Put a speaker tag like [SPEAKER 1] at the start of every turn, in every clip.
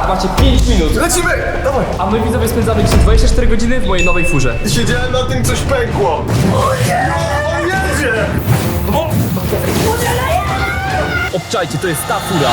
[SPEAKER 1] macie 5 minut.
[SPEAKER 2] Lecimy! Dawaj!
[SPEAKER 1] A my widzowie spędzamy dzisiaj 24 godziny w mojej nowej furze.
[SPEAKER 2] Siedziałem na tym, coś pękło. O nie! On jedzie!
[SPEAKER 1] Obczajcie, to jest ta fura.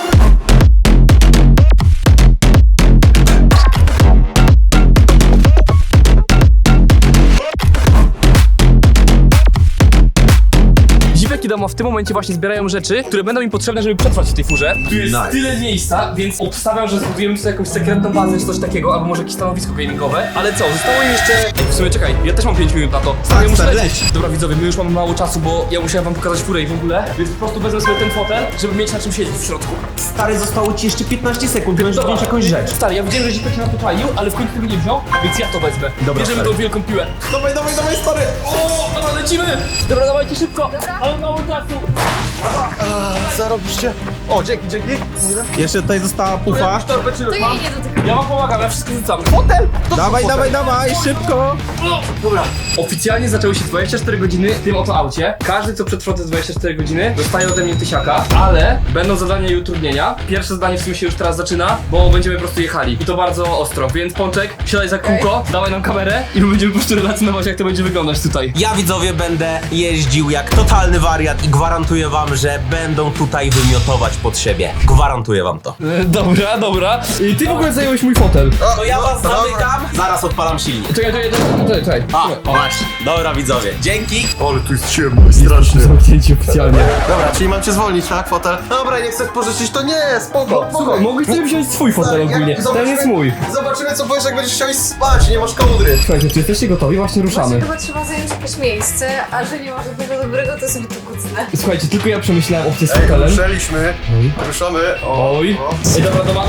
[SPEAKER 1] Zipek i Damo w tym momencie właśnie zbierają rzeczy, które będą im potrzebne, żeby przetrwać w tej furze. Tu jest tyle miejsca, więc obstawiam, że zbudujemy sobie jakąś sekretną bazę czy coś takiego, albo może jakieś stanowisko gamingowe. Ale co, zostało im jeszcze... W sumie czekaj, ja też mam 5 minut na to. Ja muszę lecieć. Dobra widzowie, my już mamy mało czasu, bo ja musiałem wam pokazać furę i w ogóle, więc po prostu wezmę sobie ten fotel, żeby mieć na czym siedzieć w środku.
[SPEAKER 3] Stary, zostało ci jeszcze 15 sekund, możesz wziąć jakąś rzecz.
[SPEAKER 1] Stary, ja widziałem, że Zipek się na to palił, ale w końcu tego nie wziął, więc ja to wezmę.
[SPEAKER 3] Dobra,
[SPEAKER 1] bierzemy
[SPEAKER 3] stary.
[SPEAKER 1] tą wielką piłę.
[SPEAKER 2] Dawaj, dawaj, dawaj, stary!
[SPEAKER 1] O, dobra, lecimy! Dobra, dawajcie szybko, ale mało czasu.
[SPEAKER 2] Zarobiście. O, dzięki, dzięki.
[SPEAKER 3] Jeszcze tutaj została pufa.
[SPEAKER 4] To jej nie dotykam.
[SPEAKER 1] Ja wam pomagam, ja wszystko rzucam. Fotel!
[SPEAKER 3] Dawaj, dawaj, dawaj, szybko!
[SPEAKER 1] Dobra. Oficjalnie zaczęły się 24 godziny w tym oto aucie. Każdy, co przetrwa te 24 godziny, dostaje ode mnie 1000, ale będą zadania i utrudnienia. Pierwsze zadanie w sumie się już teraz zaczyna, bo będziemy po prostu jechali. I to bardzo ostro, więc Pączek, siadaj za kółko, dawaj nam kamerę i my będziemy po prostu relacjonować, jak to będzie wyglądać tutaj.
[SPEAKER 3] Ja, widzowie, będę jeździł jak totalny wariat i gwarantuję wam, że będą tutaj wymiotować pod siebie. Gwarantuję wam to.
[SPEAKER 1] Dobra, dobra. I ty w ogóle zająłeś mój fotel.
[SPEAKER 3] To ja was zamykam, zaraz odpalam silnik.
[SPEAKER 1] Czekaj.
[SPEAKER 3] A, właśnie. Dobra, widzowie, dzięki.
[SPEAKER 2] Ale tu jest ciemno i strasznie.
[SPEAKER 1] Zamknięcie oficjalnie.
[SPEAKER 2] Dobra, czyli mam cię zwolnić, tak, fotel? Dobra, nie chcesz pożyczyć, to nie, spoko.
[SPEAKER 1] Słuchaj, mogłeś sobie wziąć swój fotel ogólnie. Ten jest mój.
[SPEAKER 2] Zobaczymy, co powiesz, jak będziesz chciał iść spać, nie masz kołdry.
[SPEAKER 1] Słuchajcie, czy jesteście gotowi? Właśnie ruszamy.
[SPEAKER 4] Chyba trzeba zająć jakieś miejsce, a że nie ma żadnego dobrego, to sobie tu kucnę.
[SPEAKER 1] Słuchajcie, tylko ja przemyślałem opcję z fotelem.
[SPEAKER 2] Ruszaliśmy. Ruszamy.
[SPEAKER 1] Oj. Ej, dobra.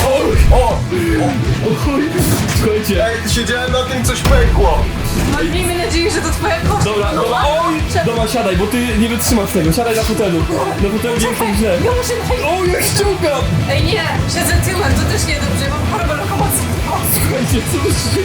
[SPEAKER 1] Oj. Słuchajcie.
[SPEAKER 2] Ej, siedziałem na tym, coś pękło.
[SPEAKER 4] Miejmy nadzieję, że to twoja koszta.
[SPEAKER 1] Dobra. Oj. Dobra, siadaj, bo ty nie wytrzymasz tego. Siadaj na fotelu. Na fotelu nie jest źle.
[SPEAKER 4] Ja muszę najpierw...
[SPEAKER 1] O, jak ściągam!
[SPEAKER 4] Ej nie, siedzę tyłem, to też niedobrze, mam chorobę lokomocji.
[SPEAKER 1] Słuchajcie, co to się...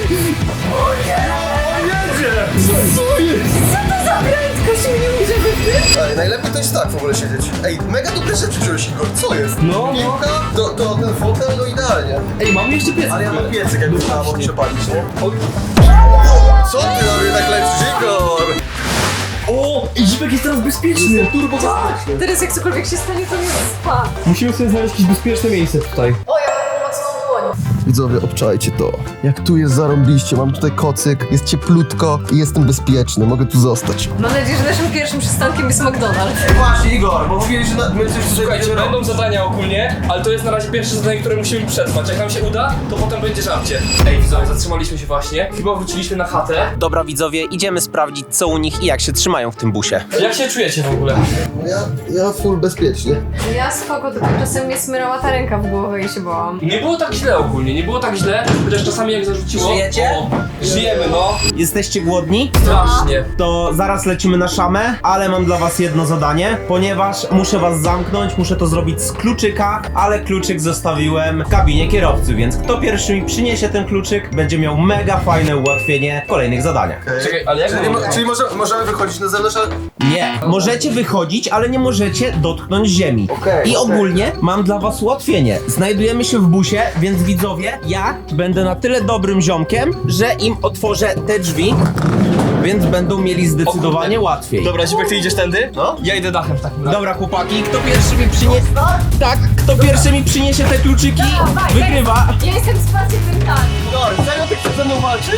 [SPEAKER 2] Jedzie!
[SPEAKER 1] Co jest?
[SPEAKER 4] Co to za prędkość mnie może wypytać?
[SPEAKER 2] Ej, najlepiej to jest tak w ogóle siedzieć. Ej, mega dobre rzeczy wziąłeś, Igor, co jest?
[SPEAKER 1] No.
[SPEAKER 2] Piłka, to ten fotel, no idealnie.
[SPEAKER 1] Ej, mam jeszcze piec.
[SPEAKER 2] Ale ja mam piecyk, jakby trzeba było przepalić, nie?
[SPEAKER 1] Oj.
[SPEAKER 2] Co ty na mnie tak lecisz, Igor?
[SPEAKER 1] O, i Zipek jest teraz bezpieczny. Turbo bezpieczny.
[SPEAKER 4] Teraz jak cokolwiek się stanie, to mnie spa.
[SPEAKER 1] Musimy sobie znaleźć jakieś bezpieczne miejsce tutaj.
[SPEAKER 4] O, ja mam pomocną dłoń.
[SPEAKER 2] Widzowie, obczajcie to. Jak tu jest zarąbiście, mam tutaj kocyk, jest cieplutko i jestem bezpieczny, mogę tu zostać.
[SPEAKER 4] Mam nadzieję, że naszym pierwszym przystankiem jest McDonald's.
[SPEAKER 2] Właśnie, Igor, bo mówiłeś, że my coś
[SPEAKER 1] Słuchajcie, będą zadania ogólnie, ale to jest na razie pierwsze zadanie, które musimy przetrwać. Jak nam się uda, to potem będzie żarcie. Ej, widzowie, zatrzymaliśmy się właśnie. Chyba wróciliśmy na chatę.
[SPEAKER 3] Dobra, widzowie, idziemy sprawdzić, co u nich i jak się trzymają w tym busie.
[SPEAKER 1] Jak się czujecie w ogóle?
[SPEAKER 2] Ja full bezpiecznie.
[SPEAKER 4] Ja spoko, tylko czasem mnie smyrała ta ręka w głowę i się bałam.
[SPEAKER 1] Nie było tak źle ogólnie, nie było tak źle, chociaż czasami jak zarzuciło...
[SPEAKER 3] Żyjecie?
[SPEAKER 1] O, żyjemy, no.
[SPEAKER 3] Jesteście głodni?
[SPEAKER 1] Strasznie.
[SPEAKER 3] To zaraz lecimy na szamę, ale mam dla was jedno zadanie, ponieważ muszę was zamknąć, muszę to zrobić z kluczyka, ale kluczyk zostawiłem w kabinie kierowcy, więc kto pierwszy mi przyniesie ten kluczyk, będzie miał mega fajne ułatwienie w kolejnych zadaniach.
[SPEAKER 1] Czekaj, ale jak
[SPEAKER 2] Czyli możemy wychodzić na zewnątrz, ale...
[SPEAKER 3] Nie, możecie wychodzić, ale nie możecie dotknąć ziemi.
[SPEAKER 2] Okej,
[SPEAKER 3] I
[SPEAKER 2] okej.
[SPEAKER 3] ogólnie mam dla was ułatwienie. Znajdujemy się w busie, więc widzowie, ja będę na tyle dobrym ziomkiem, że im otworzę te drzwi, więc będą mieli zdecydowanie łatwiej.
[SPEAKER 1] Dobra, Zipek, ty idziesz tędy?
[SPEAKER 2] No.
[SPEAKER 1] Ja idę dachem w takim razie.
[SPEAKER 3] Dobra, chłopaki, kto pierwszy mi przyniesie... Tak, kto pierwszy mi przyniesie te kluczyki, wygrywa.
[SPEAKER 4] Ja jestem wsparciem mentalnym.
[SPEAKER 2] Igor, serio ty chcesz ze mną walczyć?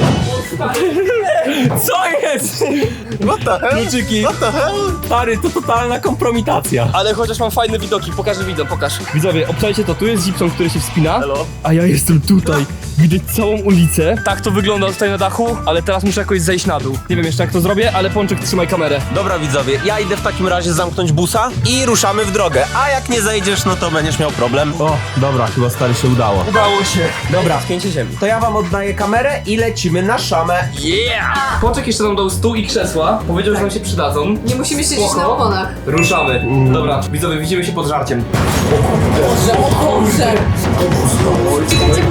[SPEAKER 3] Co jest?
[SPEAKER 2] What the hell?
[SPEAKER 3] Kluczyki.
[SPEAKER 2] What the hell?
[SPEAKER 3] Stary, to totalna kompromitacja.
[SPEAKER 1] Ale chociaż mam fajne widoki, pokażę widzom, pokaż. Widzowie, obczajcie to, tu jest Zipson, który się wspina.
[SPEAKER 2] Hello.
[SPEAKER 1] A ja jestem tutaj. Widać całą ulicę. Tak to wygląda tutaj na dachu, ale teraz muszę jakoś zejść na dół. Nie wiem jeszcze jak to zrobię, ale Pączek, trzymaj kamerę.
[SPEAKER 3] Dobra, widzowie, ja idę w takim razie zamknąć busa i ruszamy w drogę. A jak nie zejdziesz, no to będziesz miał problem. O, dobra, chyba stary się udało.
[SPEAKER 1] Udało się.
[SPEAKER 3] Dobra,
[SPEAKER 1] Spięcie ziemi.
[SPEAKER 3] to ja wam oddaję kamerę i lecimy na szamę.
[SPEAKER 1] Yeah! Pączek jeszcze nam dał stół i krzesła. Powiedział, że nam się przydadzą.
[SPEAKER 4] Nie musimy siedzieć
[SPEAKER 1] Spoko.
[SPEAKER 4] na oponach.
[SPEAKER 1] Ruszamy. Dobra, widzowie, widzimy się pod żarciem.
[SPEAKER 4] Boże, o Boże! Czekajcie, bo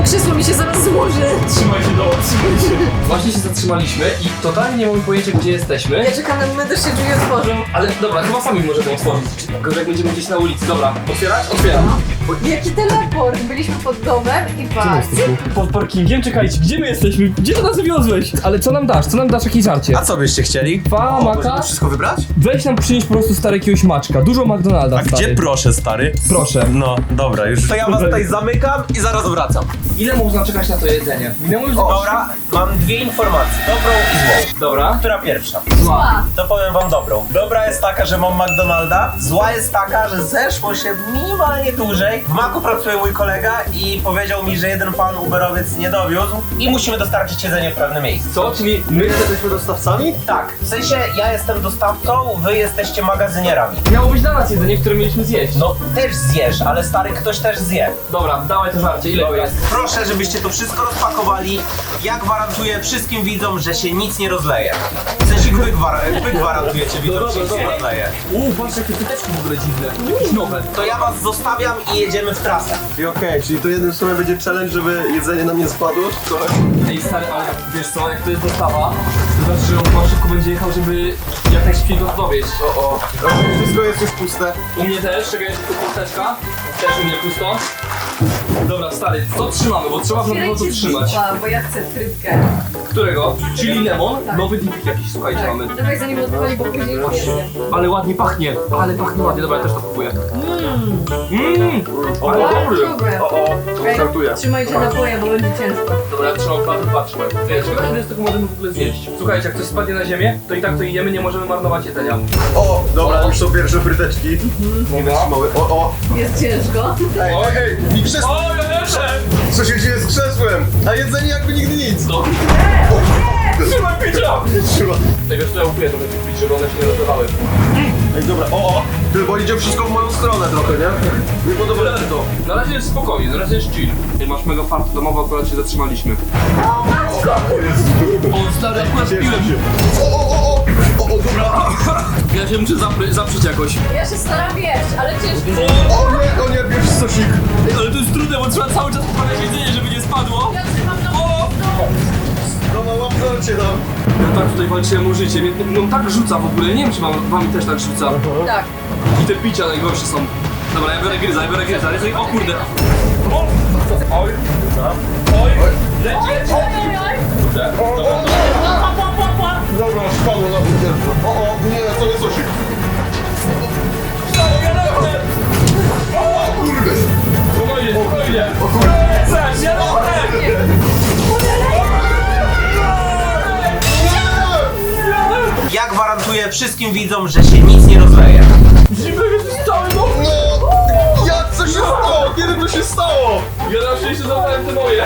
[SPEAKER 4] krzesło mi się zaraz złoży.
[SPEAKER 1] Trzymaj się trzymaj się. Właśnie się zatrzymaliśmy i totalnie nie mamy pojęcia, gdzie jesteśmy.
[SPEAKER 4] Ja czekam na moment, aż się drzwi otworzą.
[SPEAKER 1] Ale dobra, chyba sami możemy otworzyć. Tylko jak będziemy gdzieś na ulicy. Dobra, otwierać? Otwieram.
[SPEAKER 4] Jaki teleport! Byliśmy pod domem i patrz.
[SPEAKER 1] Pod parkingiem? Czekajcie, gdzie my jesteśmy? Gdzie to nas wywiozłeś? Ale co nam dasz? Co nam dasz? Jakieś żarcie?
[SPEAKER 3] A co byście chcieli?
[SPEAKER 1] Dwa maka?
[SPEAKER 3] Wszystko wybrać?
[SPEAKER 1] Weź nam przynieść po prostu stary jakiegoś maczka. Dużo McDonalda,
[SPEAKER 3] A
[SPEAKER 1] stary.
[SPEAKER 3] gdzie proszę, stary?
[SPEAKER 1] Proszę.
[SPEAKER 3] No, dobra, już. To ja was tutaj zamykam i zaraz wracam.
[SPEAKER 1] Ile można czekać na to jedzenie? Minęło już
[SPEAKER 3] Dobra, mam dwie informacje, dobrą i złą.
[SPEAKER 1] Dobra.
[SPEAKER 3] Która pierwsza?
[SPEAKER 4] Zła.
[SPEAKER 3] To powiem wam dobrą. Dobra jest taka, że mam McDonalda, zła jest taka, że zeszło się minimalnie dłużej. W Macu pracuje mój kolega i powiedział mi, że jeden pan Uberowiec nie dowiózł i musimy dostarczyć jedzenie w pewne miejsce.
[SPEAKER 1] Co? Czyli my
[SPEAKER 2] Jesteśmy dostawcami?
[SPEAKER 3] Tak, w sensie ja jestem dostawcą, wy jesteście magazynierami.
[SPEAKER 1] miało być dla nas jedzenie, które mieliśmy zjeść.
[SPEAKER 3] No też zjesz, ale stary ktoś też zje.
[SPEAKER 1] Dobra, dawaj to żarcie. Ile to jest?
[SPEAKER 3] Proszę, żebyście to wszystko rozpakowali. Ja gwarantuję wszystkim widzom, że się nic nie rozleje. W sensie wy gwarantujecie widzom, że się nic nie rozleje.
[SPEAKER 1] Patrz jakie pyteczki w ogóle dziwne. Jakieś nowe.
[SPEAKER 3] To ja was zostawiam i jedziemy w trasę.
[SPEAKER 2] I okej, czyli to jednym słowem będzie challenge, żeby jedzenie nam nie spadło? Trochę.
[SPEAKER 1] Ej stary, ale wiesz co, jak to jest dostawa, to znaczy, że on chyba szybko będzie jechał, żeby jak najszybciej go dowieść.
[SPEAKER 2] O. Wszystko jest już puste.
[SPEAKER 1] U mnie też, czekaj, jest tu pusteczka. Też u mnie pusto. Dobra, stary, co trzymamy, bo trzeba w pewno to trzymać.
[SPEAKER 4] zupa, bo ja chcę frytkę.
[SPEAKER 1] Którego? Chili lemon?
[SPEAKER 4] Tak.
[SPEAKER 1] Nowy dipik jakiś, słuchajcie, mamy.
[SPEAKER 4] Tak. Dawaj zanim odpali, bo później już nie zjem.
[SPEAKER 1] Ale ładnie pachnie, ale pachnie ładnie, dobra, ja też to kupuję. Ale dobry.
[SPEAKER 4] Dobre. Okej,
[SPEAKER 2] Żartuję.
[SPEAKER 4] trzymajcie napoje, bo będzie ciężko.
[SPEAKER 1] Dobra, ja trzymam klatę, patrzmy. Wiesz, ile z tego możemy w ogóle zjeść? Słuchajcie, jak coś spadnie na ziemię, to i tak to jemy, nie możemy marnować jedzenia.
[SPEAKER 2] O, dobra, już są pierwsze fryteczki. Nie wytrzymały. O.
[SPEAKER 4] Jest ciężko.
[SPEAKER 2] Ej, mi krzesło.
[SPEAKER 1] O, ja lepsze!
[SPEAKER 2] Co się dzieje z krzesłem? A jedzenie jakby nigdy nic.
[SPEAKER 1] No. Trzymaj picia!
[SPEAKER 2] Trzyma.
[SPEAKER 1] Tego co ja kupuję trochę tych pić, żeby one się nie rozlewały.
[SPEAKER 2] Ej, dobra, o. Ty, bo idzie wszystko w moją stronę trochę, nie? Nie podoba mi się to.
[SPEAKER 1] Na razie jest spokojnie, na razie jest chill. Ty masz mega fart domowy, akurat się zatrzymaliśmy. O, stary, akurat piłem się.
[SPEAKER 2] O, dobra.
[SPEAKER 1] Ja się muszę zaprzeć jakoś.
[SPEAKER 4] Ja się staram jeść, ale ciężko.
[SPEAKER 2] O nie, bierz sosik.
[SPEAKER 1] Ej, ale to jest trudne, bo trzeba cały czas poprawiać jedzenie, żeby nie spadło.
[SPEAKER 4] Ja trzymam na
[SPEAKER 2] No, łap żarcie tam.
[SPEAKER 1] Ja tak tutaj walczyłem o życie, mnie tak rzuca w ogóle, nie wiem czy wami też tak rzuca.
[SPEAKER 4] Tak.
[SPEAKER 1] I te picia najgorsze są. Dobra, ja biorę gryza, ale sobie, o kurde. O! Oj! Oj! Lecieć! Kurde.
[SPEAKER 2] Dobra, spadło na butelkę. O, nie, to nie sosik. O kurde.
[SPEAKER 1] Spokojnie, spokojnie! Zaś, ja
[SPEAKER 3] Ja gwarantuję wszystkim widzom, że się nic nie rozleje.
[SPEAKER 1] Zimno jest cały dom!
[SPEAKER 2] No, jak co się stało? Kiedy to się stało?
[SPEAKER 1] Ja na szczęście zabrałem te moje.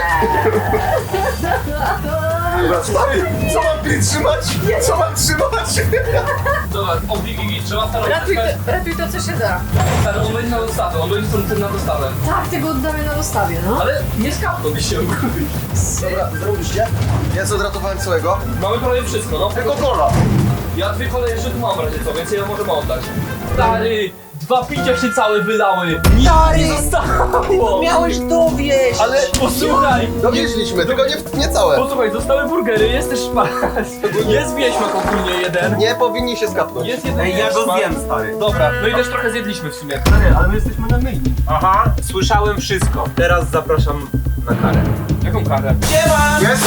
[SPEAKER 2] Dobra, stary, co mam ty trzymać? Co mam trzymać?
[SPEAKER 1] Dobra, o Gigi, trzeba starować.
[SPEAKER 4] Ratuj to, co się da.
[SPEAKER 1] Ale on będzie na dostawę, on będzie tym na dostawę.
[SPEAKER 4] Tak, tego oddamy na dostawie, no.
[SPEAKER 1] Ale nie skapnąłbyś się.
[SPEAKER 2] Dobra, zrobiliście? Ja zodratowałem całego.
[SPEAKER 1] Mamy prawie wszystko, no.
[SPEAKER 2] Tego kola.
[SPEAKER 1] Ja dwie kolejne jeszcze tu mam w razie co, więc je możemy oddać. Stary, dwa picia się całe wylały. Nic nie zostało.
[SPEAKER 3] Miałeś dowieść!
[SPEAKER 1] Ale posłuchaj.
[SPEAKER 2] Dowieźliśmy, tylko nie całe.
[SPEAKER 1] Posłuchaj, zostały burgery, jest też szpas. Jest wieśmak ogólnie jeden.
[SPEAKER 2] Nie powinni się skapnąć.
[SPEAKER 1] Jest jeden
[SPEAKER 3] Ej, ja go
[SPEAKER 1] wieśmak.
[SPEAKER 3] zjem, stary.
[SPEAKER 1] Dobra, no i też trochę zjedliśmy w sumie. Stary, ale my jesteśmy na myjni.
[SPEAKER 3] Aha, słyszałem wszystko. Teraz zapraszam na karę.
[SPEAKER 1] Jaką karę?
[SPEAKER 3] Siema!
[SPEAKER 2] Jest?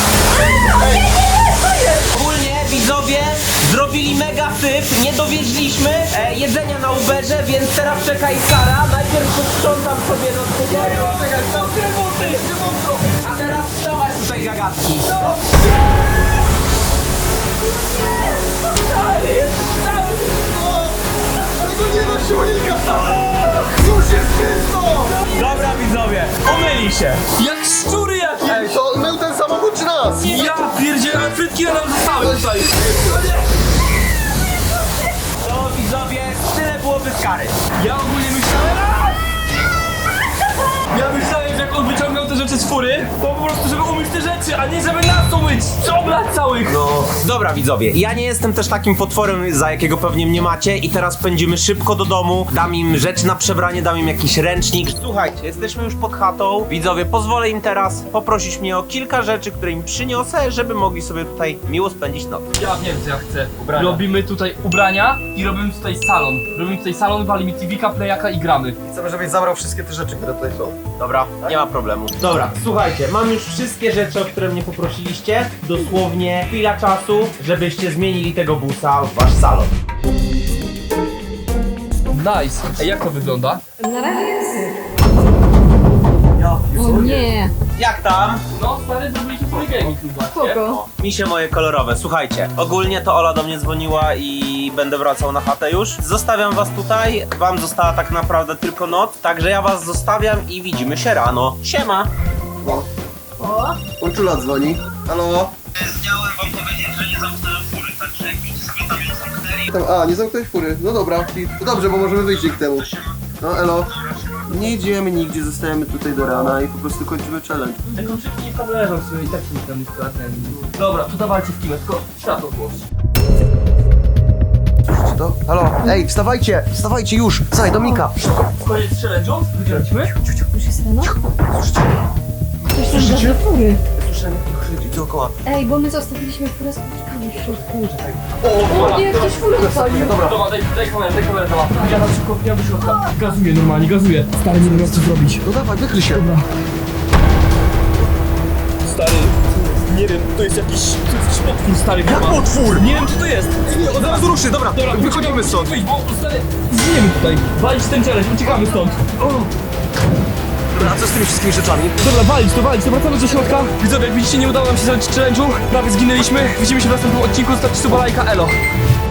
[SPEAKER 3] Ogólnie widzowie zrobili mega syf, nie dowieźliśmy jedzenia na Uberze, więc teraz czeka ich kara. Najpierw posprzątam sobie do spokoju. A teraz wstawać tutaj gagatki.
[SPEAKER 2] Tego nie da silnika! Już jest czysto!
[SPEAKER 3] Dobra widzowie, pomyli się.
[SPEAKER 1] Jak szczury jakieś!
[SPEAKER 2] Ej, to mył ten samochód czy nas?
[SPEAKER 1] Ja pierdzielę, frytki nam zostały tutaj.
[SPEAKER 3] To widzowie, tyle byłoby z kary.
[SPEAKER 1] Ja ogólnie myślałem... Ja myślałem, że jak on wyciągnął te rzeczy rzeczy z fury, to po prostu żeby umyć te rzeczy, a nie żeby nas umyć! Przebrać całych!
[SPEAKER 3] No, dobra widzowie, ja nie jestem też takim potworem, za jakiego pewnie mnie macie i teraz pędzimy szybko do domu, dam im rzecz na przebranie, dam im jakiś ręcznik. Słuchajcie, jesteśmy już pod chatą, widzowie, pozwolę im teraz poprosić mnie o kilka rzeczy, które im przyniosę, żeby mogli sobie tutaj miło spędzić noc.
[SPEAKER 1] Ja wiem, co ja chcę.
[SPEAKER 3] Ubrania.
[SPEAKER 1] Robimy tutaj ubrania i robimy tutaj salon. Robimy tutaj salon, walimy TV-ka, playaka i gramy.
[SPEAKER 2] Chcemy, żebyś zabrał wszystkie te rzeczy, które tutaj są.
[SPEAKER 3] Dobra, nie ma problemu. Dobra, słuchajcie, mam już wszystkie rzeczy, o które mnie poprosiliście. Dosłownie chwila czasu, żebyście zmienili tego busa w wasz salon.
[SPEAKER 1] Nice. Ej, jak to wygląda?
[SPEAKER 4] Na razie jest. O nie.
[SPEAKER 3] Jak tam?
[SPEAKER 1] No, stary, zrobiliśmy sobie gaming chyba,
[SPEAKER 4] Spoko.
[SPEAKER 3] Misie moje kolorowe. Słuchajcie, ogólnie to Ola do mnie dzwoniła i będę wracał na chatę już. Zostawiam was tutaj, wam została tak naprawdę tylko noc, także ja was zostawiam i widzimy się rano. Siema!
[SPEAKER 4] O.
[SPEAKER 2] Uczula dzwoni. Halo?
[SPEAKER 3] Miałem wam powiedzieć, że nie zamknąłem fury, także jakbyście sobie tam ją zamknęli.
[SPEAKER 2] Nie zamknąłeś fury. No dobra, to dobrze, bo możemy wyjść dzięki temu. No elo. Nie idziemy nigdzie, zostajemy tutaj do rana i po prostu kończymy challenge.
[SPEAKER 1] Te kluczyki nie tam leżą sobie i tak się tam nie sprawdzają. Dobra, to dawajcie w kimę, tylko światło włącz.
[SPEAKER 2] Słyszycie to? Halo? Ej, wstawajcie już! Słuchaj, Dominika!
[SPEAKER 1] Koniec challenge'u? Wygraliśmy?
[SPEAKER 4] Już jest rano? Słyszycie? Do fury.
[SPEAKER 2] Słyszałem jak krzyki dookoła.
[SPEAKER 4] Ej, bo my zostawiliśmy furę z kurczkami w środku.
[SPEAKER 1] O,
[SPEAKER 4] O nie, ktoś furę odpalił.
[SPEAKER 2] Dobra.
[SPEAKER 1] Dobra, daj kamerę, dobra. Ja tam szybko wbijam do środka. Gazuję normalnie, gazuję. Stary, nie wiem co zrobić.
[SPEAKER 2] No dawaj, wykryj się.
[SPEAKER 1] Stary, nie wiem, to jest jakiś potwór, stary. Jak potwór? Nie wiem, co to jest.
[SPEAKER 2] Od razu ruszy, dobra, wychodzimy stąd.
[SPEAKER 1] Wyjdź, bo stary, zginiemy tutaj. Walić ten challenge, uciekamy stąd.
[SPEAKER 2] A co z tymi wszystkimi rzeczami?
[SPEAKER 1] Dobra, walić, to wracamy do środka. Widzowie, jak widzicie, nie udało nam się zrobić challenge'u. Prawie zginęliśmy. Widzimy się w następnym odcinku, zostawcie suba, lajka, elo.